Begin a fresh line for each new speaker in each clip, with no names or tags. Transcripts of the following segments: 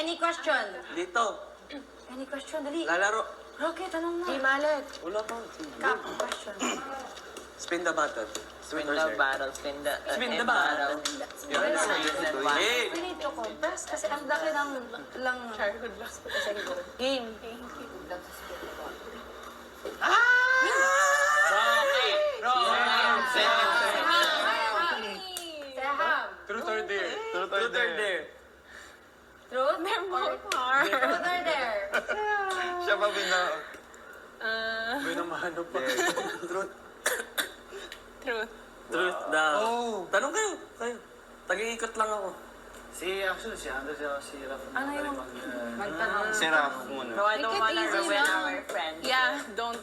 Any question?
Dito.
Any question? Dali.
Lalaro.
Rocky, tanong mo.
Di Malik.
Wala pa.
Cap, question.
Spin the button.
Spin the bottle, spin the
bottle. Hey!
We need to compress kasi ang laki ng lang...
Childhood lost pa sa game.
Saham.
Truth or dare?
Truth or dare?
Truth?
They're more hard.
Truth or dare?
Siya pa bina...
Binamano pa.
Truth.
Truth.
Truth daw.
Oh.
Tanong kayo. Tag-iikot lang ako.
Actually, si Andres at si Raf.
Ano yung magtanong?
Si Raf muna.
No, I don't
Make it
wanna
easy
ruin
lang.
our friends.
Yeah, don't.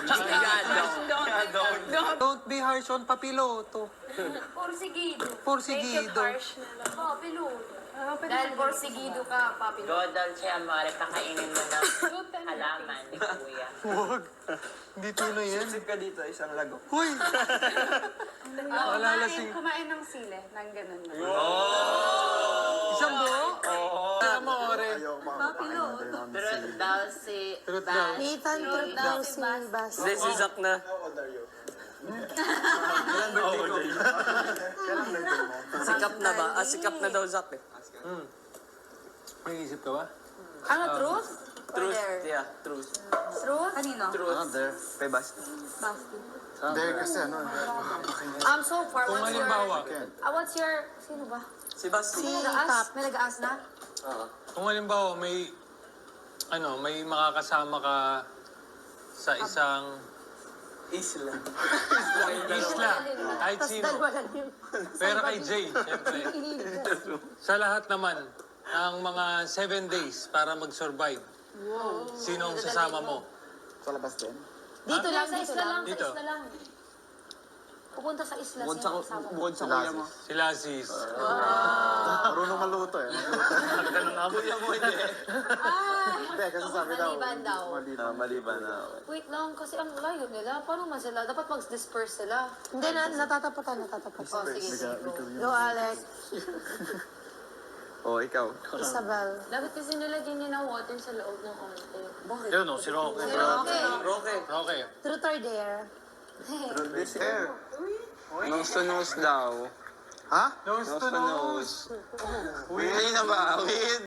Don't.
Don't be harsh on papiloto.
Porsigido.
Porsigido.
Papiluto. Dahil porsigido ka, papiluto.
Go, Dolce Amore, kakainin mo ng halaman ni Kuya.
Huwag. Hindi tunay yan.
Sip ka dito, isang lago.
Huy! Malalasing.
Kumain ng sile, nang ganun.
Isang buo? Oo. Amore.
Papiluto.
Truth daw si
Truth daw.
Bas.
Nathan, truth daw si Bas.
Hindi, si Zach na. Sikap na ba? Sikap na daw Zach eh.
May isip ka ba?
Ano, truth?
Truth. Yeah, truth.
Truth? Kanino?
Truth.
There.
Kay Basti.
Basti.
There kasi ano.
So far,
Kung
what's your...
halimbawa,
What's your... Sino ba?
Si Basti.
May nag-aas? May nag-aas na?
Oo.
kung halimbawa may makakasama ka sa isang
Isla.
isla, kahit sino. Pero kay Jay, syempre. Sa lahat naman, ang mga 7 days para mag-survive. Sino ang sasama mo?
Sa labas din.
Dito lang, sa isla lang.
Dito.
Sa isla lang. Pupunta sa isla.
Bukod
Sino kasama?
bukod sa kuya mo.
Sila sis.
Marunong maluto eh.
Kuya mo hindi.
Hindi, kasi sabi daw.
Maliban daw.
Maliban na.
Wait lang, kasi ang layo nila. Paano man sila? Dapat mag-disperse sila.
Hindi na, natatapatan.
Oh, sige, sige. Go.
Go, Alex.
Oh, ikaw.
Isabel.
Dapat kasi nilagyan niya ng water sa loob ng konti. Bakit?
Yun o, si Roque.
Okay.
Roque.
Okay.
Truth or dare?
Nose to nose daw.
Ha?
Nose to nose.
Hindi na ba? Wait.